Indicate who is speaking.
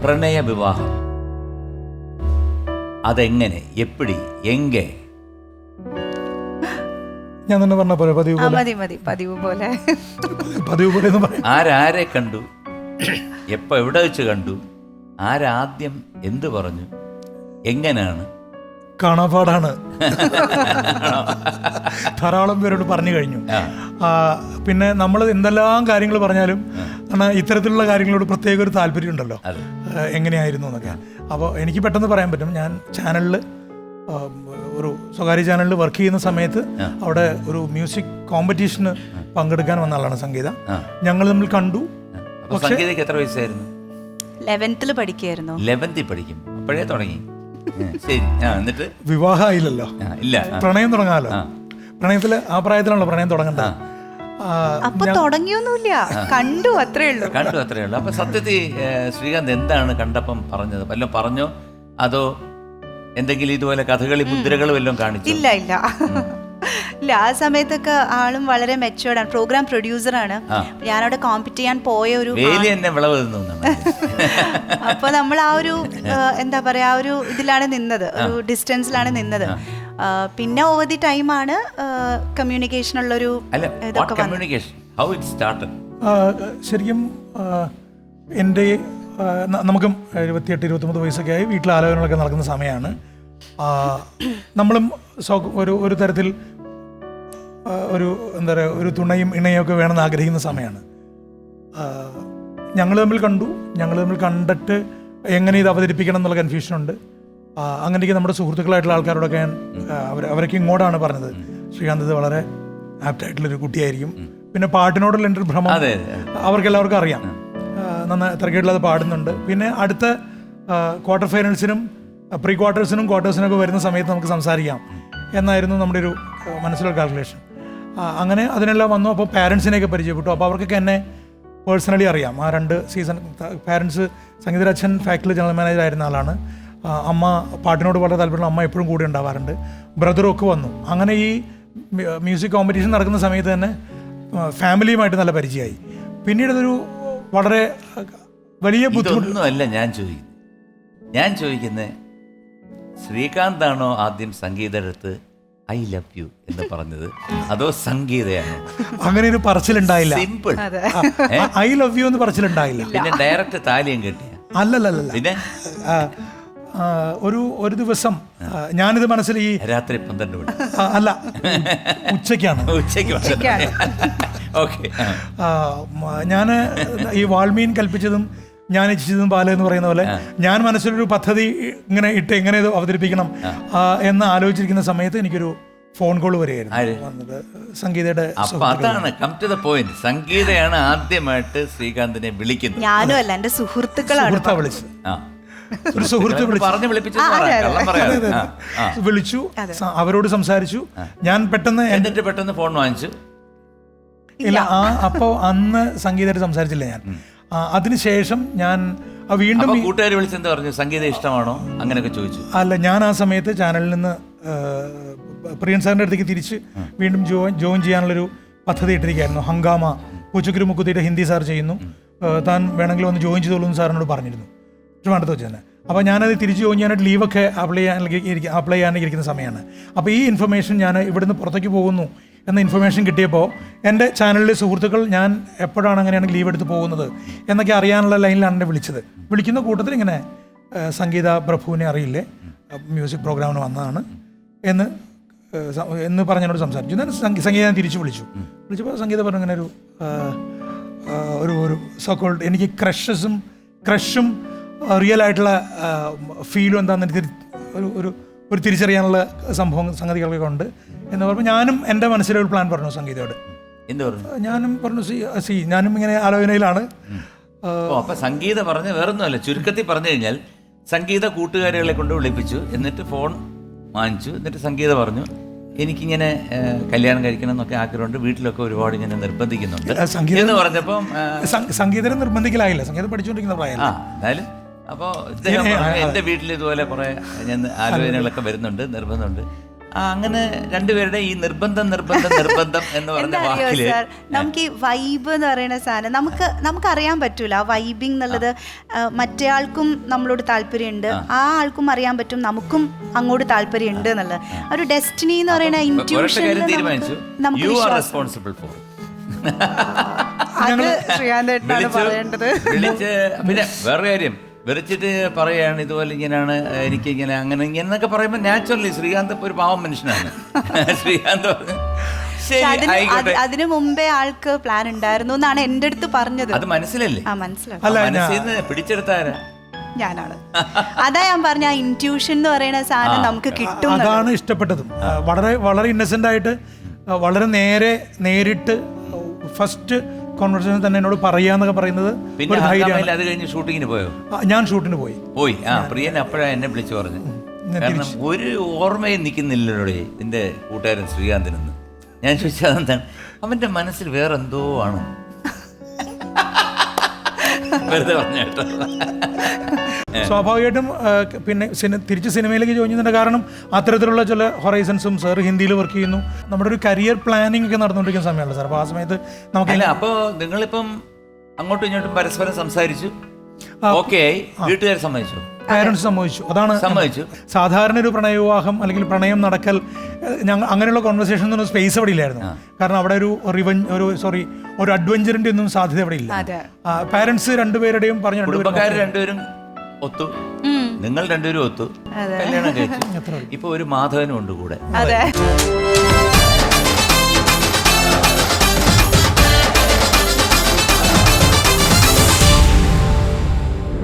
Speaker 1: പ്രണയ വിവാഹം അതെങ്ങനെ എപ്പിടി എങ്കെ?
Speaker 2: ഞാൻ തന്നെ പറഞ്ഞ പോലെ പതിവ് പോലെ
Speaker 3: പതിവ് പോലെ
Speaker 2: പതിവ് പോലെ എന്ന് പറയാം.
Speaker 1: ആരാരെ കണ്ടു, എപ്പോ എവിടെ വെച്ച് കണ്ടു, ആരാദ്യം എന്ത് പറഞ്ഞു, എങ്ങനെയാണ്?
Speaker 2: കാണാപ്പാടാണ്. ധാരാളം പേരോട് പറഞ്ഞു കഴിഞ്ഞു. പിന്നെ നമ്മൾ എന്തെല്ലാം കാര്യങ്ങൾ പറഞ്ഞാലും ഇത്തരത്തിലുള്ള കാര്യങ്ങളോട് പ്രത്യേക ഒരു താല്പര്യം ഉണ്ടല്ലോ, എങ്ങനെയായിരുന്നു എന്നൊക്കെ. അപ്പോൾ എനിക്ക് പെട്ടെന്ന് പറയാൻ പറ്റും. ഞാൻ ചാനലിൽ, ഒരു സ്വകാര്യ ചാനലിൽ വർക്ക് ചെയ്യുന്ന സമയത്ത് അവിടെ ഒരു മ്യൂസിക് കോമ്പറ്റീഷന് പങ്കെടുക്കാൻ വന്ന ആളാണ് സംഗീത. ഞങ്ങൾ തമ്മിൽ കണ്ടു.
Speaker 1: സംഗീതയ്ക്ക് എത്ര വയസ്സായിരുന്നു?
Speaker 3: 11th പഠിക്കായിരുന്നു.
Speaker 1: 11th പഠിക്കും, അപ്പോഴേ തുടങ്ങി. ശരി, എന്നിട്ട്
Speaker 2: വിവാഹമായില്ലല്ലോ,
Speaker 1: ഇല്ല,
Speaker 2: പ്രണയം തുടങ്ങാമല്ലോ. പ്രണയത്തില് ആ പ്രായത്തിലാണല്ലോ പ്രണയം തുടങ്ങേണ്ടത്.
Speaker 3: അപ്പൊ തുടങ്ങിയൊന്നുമില്ല, കണ്ടു അത്രേ ഉള്ളൂ.
Speaker 1: അപ്പൊ സത്യത്തിൽ ശ്രീകാന്ത് എന്താണ് കണ്ടപ്പം പറഞ്ഞത്? വല്ലതും പറഞ്ഞോ അതോ എന്തെങ്കിലും ഇതുപോലെ കഥകളി മുദ്രകൾ വല്ലതും കാണിച്ചു?
Speaker 3: ഇല്ല ഇല്ല ഇല്ല, ആ സമയത്തൊക്കെ ആളും വളരെ മെച്ചുവേർഡാണ്. പ്രോഗ്രാം പ്രൊഡ്യൂസറാണ്. ഞാനവിടെ കോമ്പറ്റ് ചെയ്യാൻ പോയ ഒരു അപ്പൊ നമ്മൾ ആ ഒരു എന്താ പറയാ, ആ ഒരു ഇതിലാണ് നിന്നത്, ഒരു ഡിസ്റ്റൻസിലാണ് നിന്നത്. പിന്നെ ഓവർ ദി ടൈമാണ് കമ്മ്യൂണിക്കേഷൻ ഉള്ളൊരു
Speaker 2: ശരിക്കും എൻ്റെ നമുക്കും 28-29 വയസ്സൊക്കെ ആയി, വീട്ടിൽ ആലോചനകളൊക്കെ നടക്കുന്ന സമയമാണ്. നമ്മളും ഒരു തരത്തിൽ ഒരു എന്താ പറയുക, ഒരു തുണയും ഇണയും ഒക്കെ വേണമെന്ന് ആഗ്രഹിക്കുന്ന സമയമാണ്. ഞങ്ങൾ തമ്മിൽ കണ്ടു. ഞങ്ങൾ തമ്മിൽ കണ്ടിട്ട് എങ്ങനെ ഇത് അവതരിപ്പിക്കണം എന്നുള്ള കൺഫ്യൂഷനുണ്ട്. അങ്ങനെയൊക്കെ നമ്മുടെ സുഹൃത്തുക്കളായിട്ടുള്ള ആൾക്കാരോടൊക്കെ ഞാൻ അവരൊക്കെ ഇങ്ങോട്ടാണ് പറഞ്ഞത്, ശ്രീകാന്ത് ഇത് വളരെ ആപ്റ്റായിട്ടുള്ളൊരു കുട്ടിയായിരിക്കും. പിന്നെ പാട്ടിനോടുള്ള എൻ്റെ ഒരു ഭ്രമം അവർക്കെല്ലാവർക്കും അറിയാം, നന്നായി തിരക്കേടില്ലാതെ പാടുന്നുണ്ട്. പിന്നെ അടുത്ത ക്വാർട്ടർ ഫൈനൽസിനും പ്രീ ക്വാർട്ടേഴ്സിനും ക്വാർട്ടേഴ്സിനൊക്കെ വരുന്ന സമയത്ത് നമുക്ക് സംസാരിക്കാം എന്നായിരുന്നു നമ്മുടെ ഒരു മനസ്സിലുള്ള കാൽക്കുലേഷൻ. അങ്ങനെ അതിനെല്ലാം വന്നു. അപ്പോൾ പാരൻസിനെയൊക്കെ പരിചയപ്പെട്ടു. അപ്പോൾ അവർക്കൊക്കെ എന്നെ പേഴ്സണലി അറിയാം. ആ 2 സീസൺ പാരൻസ്, സംഗീത അച്ഛൻ ഫാക്ടറി ജനറൽ മാനേജർ ആയിരുന്ന ആളാണ്. അമ്മ പാട്ടിനോട് വളരെ താല്പര്യമുള്ള അമ്മ എപ്പോഴും കൂടെ ഉണ്ടാവാറുണ്ട്. ബ്രദറും ഒക്കെ വന്നു. അങ്ങനെ ഈ മ്യൂസിക് കോമ്പറ്റീഷൻ നടക്കുന്ന സമയത്ത് തന്നെ ഫാമിലിയുമായിട്ട് നല്ല പരിചയമായി. പിന്നീട് അതൊരു വളരെ വലിയ
Speaker 1: ബുദ്ധിമുട്ടൊന്നുമല്ല ഞാൻ ചോദിക്കുന്നത് ശ്രീകാന്താണോ ആദ്യം സംഗീതടുത്ത് ഐ ലവ് യു എന്ന് പറഞ്ഞത്, അതോ സംഗീതയാണോ?
Speaker 2: അങ്ങനെ ഒരു പറച്ചിലുണ്ടായില്ല.
Speaker 1: സിമ്പിൾ,
Speaker 2: ഐ ലവ് യു എന്ന് പറച്ചിലുണ്ടായില്ല.
Speaker 1: പിന്നെ ഡയറക്റ്റ് താലിയും കെട്ടിയ?
Speaker 2: അല്ലല്ല.
Speaker 1: പിന്നെ
Speaker 2: ഒരു ദിവസം ഞാനിത് മനസ്സിൽ ഈ
Speaker 1: രാത്രി 12 മണി
Speaker 2: അല്ല, ഉച്ചയ്ക്കാണ്. ഞാൻ ഈ വാൾമീൻ കൽപ്പിച്ചതും ഞാൻ ഇച്ഛിച്ചതും പാല എന്ന് പറയുന്ന പോലെ ഞാൻ മനസ്സിലൊരു പദ്ധതി ഇങ്ങനെ ഇട്ട് എങ്ങനെ ഇത് അവതരിപ്പിക്കണം എന്ന് ആലോചിച്ചിരിക്കുന്ന സമയത്ത് എനിക്കൊരു ഫോൺ കോൾ വരികയായിരുന്നു. സംഗീതയുടെ.
Speaker 1: അതാണ് കം ടു ദ പോയിന്റ്. സംഗീതയാണ് ആദ്യമായിട്ട് ശ്രീകാന്തിനെ വിളിക്കുന്നത്.
Speaker 3: ഞാനും അല്ല, എന്റെ സുഹൃത്തുക്കളാണ്
Speaker 2: വിളിച്ചത്. ഒരു സുഹൃത്ത് വിളിച്ചു, അവരോട് സംസാരിച്ചു. ഞാൻ
Speaker 1: പെട്ടെന്ന് ഫോൺ വാങ്ങിച്ചു.
Speaker 2: ഇല്ല, അപ്പോൾ അന്ന് സംഗീതമായിട്ട് സംസാരിച്ചില്ല ഞാൻ. അതിനുശേഷം ഞാൻ വീണ്ടും
Speaker 1: കൂട്ടുകാർ വിളിച്ചെന്ത് പറഞ്ഞു? സംഗീതം ഇഷ്ടമാണോ അങ്ങനെയൊക്കെ ചോദിച്ചു?
Speaker 2: അല്ല, ഞാൻ ആ സമയത്ത് ചാനലിൽ നിന്ന് പ്രിയൻ സാറിൻ്റെ അടുത്തേക്ക് തിരിച്ച് വീണ്ടും ജോയിൻ ചെയ്യാനുള്ളൊരു പദ്ധതി ഇട്ടിരിക്കുകയായിരുന്നു. ഹംഗാമ പൂച്ചക്കുരു മുക്കുത്തിയുടെ ഹിന്ദി സാർ ചെയ്യുന്നു, താൻ വേണമെങ്കിൽ ഒന്ന് ജോയിൻ ചെയ്തോളൂ എന്ന് സാറിനോട് പറഞ്ഞിരുന്നു, ട്രിവാൻഡ്രത്ത് വെച്ച് തന്നെ. അപ്പോൾ ഞാനത് തിരിച്ച് ജോയിൻ ചെയ്യാനായിട്ട് ലീവൊക്കെ അപ്ലൈ ചെയ്യാനൊക്കെ ഇരിക്കുന്ന സമയമാണ്. അപ്പോൾ ഈ ഇൻഫർമേഷൻ, ഞാൻ ഇവിടുന്ന് പുറത്തേക്ക് പോകുന്നു എന്ന ഇൻഫർമേഷൻ കിട്ടിയപ്പോൾ എൻ്റെ ചാനലിലെ സുഹൃത്തുക്കൾ ഞാൻ എപ്പോഴാണ് അങ്ങനെയാണ് ലീവ് എടുത്ത് പോകുന്നത് എന്നൊക്കെ അറിയാനുള്ള ലൈനിലാണ് എന്നെ വിളിച്ചത്. വിളിക്കുന്ന കൂട്ടത്തിൽ ഇങ്ങനെ സംഗീത പ്രഭുവിനെ അറിയില്ലേ, മ്യൂസിക് പ്രോഗ്രാമിന് വന്നതാണ് എന്ന് പറഞ്ഞതിനോട് സംസാരിച്ചു. ഞാൻ സംഗീത വിളിച്ചപ്പോൾ സംഗീത പറഞ്ഞു ഇങ്ങനെ ഒരു സോക്കോൾഡ് എനിക്ക് ക്രഷും റിയൽ ആയിട്ടുള്ള ഫീലും എന്താണെന്ന് ഒരു തിരിച്ചറിയാനുള്ള സംഗതികളൊക്കെ ഉണ്ട് എന്ന് പറഞ്ഞപ്പോൾ ഞാനും എൻ്റെ മനസ്സിലൊരു പ്ലാൻ പറഞ്ഞു സംഗീതയോട്. ഞാനും പറഞ്ഞു ഞാനും ഇങ്ങനെ ആലോചനയിലാണ്.
Speaker 1: സംഗീത പറഞ്ഞ വേറൊന്നുമല്ല, ചുരുക്കത്തിൽ പറഞ്ഞു കഴിഞ്ഞാൽ സംഗീത കൂട്ടുകാരികളെ കൊണ്ട് വിളിപ്പിച്ചു, എന്നിട്ട് ഫോൺ വാങ്ങിച്ചു. എന്നിട്ട് സംഗീത പറഞ്ഞു എനിക്കിങ്ങനെ കല്യാണം കഴിക്കണം എന്നൊക്കെ ആഗ്രഹമുണ്ട്, വീട്ടിലൊക്കെ ഒരുപാട് ഇങ്ങനെ നിർബന്ധിക്കുന്നുണ്ട് എന്ന് പറഞ്ഞപ്പം
Speaker 2: സംഗീതം നിർബന്ധിക്കലായില്ല, സംഗീതം പഠിച്ചുകൊണ്ടിരിക്കുന്ന പ്രായം.
Speaker 1: എന്തായാലും അപ്പോൾ ഇദ്ദേഹം പറഞ്ഞു എൻ്റെ വീട്ടിൽ ഇതുപോലെ കുറേ ഞാൻ ആലോചനകളൊക്കെ വരുന്നുണ്ട്, നിർബന്ധമുണ്ട്. അങ്ങനെ രണ്ടുപേരുടെ ഈ നിർബന്ധം എന്ന് പറഞ്ഞ
Speaker 3: എന്താ അറിയോ
Speaker 1: വാക്കില്
Speaker 3: സാർ, നമുക്ക് ഈ വൈബ് എന്ന് പറയുന്ന സാധനം നമുക്ക് അറിയാൻ പറ്റൂല. ആ വൈബിങ് എന്നുള്ളത് മറ്റേ ആൾക്കും നമ്മളോട് താല്പര്യമുണ്ട്, ആ ആൾക്കും അറിയാൻ പറ്റും നമുക്കും അങ്ങോട്ട് താല്പര്യമുണ്ട് എന്നുള്ളത്. ഒരു ഡെസ്റ്റിനി എന്ന് പറയുന്ന ഇൻറ്റ്യൂഷനിൽ
Speaker 1: തീരുമാനിച്ചു
Speaker 3: നമുക്ക്
Speaker 1: യു ആർ
Speaker 3: വിശ്വാസം.
Speaker 1: Responsible for.
Speaker 3: അത് ശ്രീകാന്തേട്ടനാണ് പറയേണ്ടത്.
Speaker 1: വിളിച്ച് പിന്നെ വേറെ കാര്യം വിളിച്ചിട്ട് പറയാണ് ഇതുപോലെ ഇങ്ങനെയാണ് എനിക്ക് ഇങ്ങനെ അങ്ങനെ എന്നൊക്കെ പറയുമ്പോൾ നാച്ചുറലി ശ്രീകാന്ത് ഇപ്പൊ ഒരു പാവം മനുഷ്യനാണ്. ശ്രീകാന്ത് പറഞ്ഞു ശരി ആയിക്കോട്ടെ.
Speaker 3: അതിനു മുമ്പേ ആൾക്ക് പ്ലാൻ ഉണ്ടായിരുന്നു എന്നാണ് എന്റെ അടുത്ത് പറഞ്ഞത്.
Speaker 1: അത് മനസ്സിലല്ലേ?
Speaker 3: ആ മനസ്സിലായി.
Speaker 1: മനസ്സിൽ നിന്ന് പിടിച്ചെടുത്താരാ?
Speaker 3: ഞാനാണ്. അതാ ഞാൻ പറഞ്ഞ ആ ഇൻറ്റ്യൂഷൻ എന്ന് പറയുന്ന സാധനം നമുക്ക് കിട്ടും.
Speaker 2: അതാണ് ഇഷ്ടപ്പെട്ടതും. വളരെ വളരെ ഇന്നസെന്റ് ആയിട്ട് വളരെ നേരിട്ട് ഫസ്റ്റ് കോൺവെർസേഷൻ തന്നെ എന്നോട് പറയാന്നൊക്കെ പറയുന്നത്
Speaker 1: പിന്നെ അത് കഴിഞ്ഞ് ഷൂട്ടിങ്ങിന് പോയോ?
Speaker 2: ഞാൻ ഷൂട്ടിന് പോയി.
Speaker 1: പ്രിയൻ അപ്പോഴാണ് എന്നെ വിളിച്ചു പറഞ്ഞു. കാരണം ഒരു ഓർമ്മയും നിൽക്കുന്നില്ലല്ലോ നിന്റെ കൂട്ടുകാരൻ ശ്രീകാന്തിനെന്ന്. ഞാൻ ചോദിച്ചത് അതെന്താണ്? അവന്റെ മനസ്സിൽ വേറെന്തോ ആണ്. വെറുതെ പറഞ്ഞ കേട്ടോ.
Speaker 2: സ്വാഭാവികമായിട്ടും പിന്നെ തിരിച്ച് സിനിമയിലേക്ക് ജോയിൻ ചെയ്യുന്നതിന്റെ കാരണം അത്തരത്തിലുള്ള ചില ഹൊറൈസൺസും. സാർ ഹിന്ദിയിൽ വർക്ക് ചെയ്യുന്നു, നമ്മുടെ ഒരു കരിയർ പ്ലാനിങ് ഒക്കെ നടന്നുകൊണ്ടിരിക്കുന്ന സമയമാണ് സാർ. അപ്പോൾ ആ സമയത്ത് നമുക്ക്
Speaker 1: അപ്പോൾ നിങ്ങളിപ്പം അങ്ങോട്ടും ഇങ്ങോട്ടും പരസ്പരം സംസാരിച്ചു, ഓക്കെ ആയി, വീട്ടുകാർ സമ്മതിച്ചു,
Speaker 2: പാരന്റ്സ് സമ്മതിച്ചു. അതാണ്
Speaker 1: സമ്മതിച്ചു.
Speaker 2: സാധാരണ ഒരു പ്രണയവിവാഹം അല്ലെങ്കിൽ പ്രണയം നടക്കൽ അങ്ങനെയുള്ള കോൺവെർസേഷൻ ഒന്നും സ്പേസ് അവിടെ ഇല്ലായിരുന്നു. കാരണം അവിടെ ഒരു അഡ്വഞ്ചറിന്റെ ഒന്നും സാധ്യത അവിടെ ഇല്ല. പാരന്റ്സ് രണ്ടുപേരുടെയും പറഞ്ഞു,
Speaker 1: കുടുംബക്കാർ രണ്ടുപേരും ഒത്തു, നിങ്ങൾ രണ്ടുപേരും ഒത്തു, കല്യാണം കഴിച്ചു. ഇപ്പൊ ഒരു മാധവനും ഉണ്ട് കൂടെ.
Speaker 3: അതെ.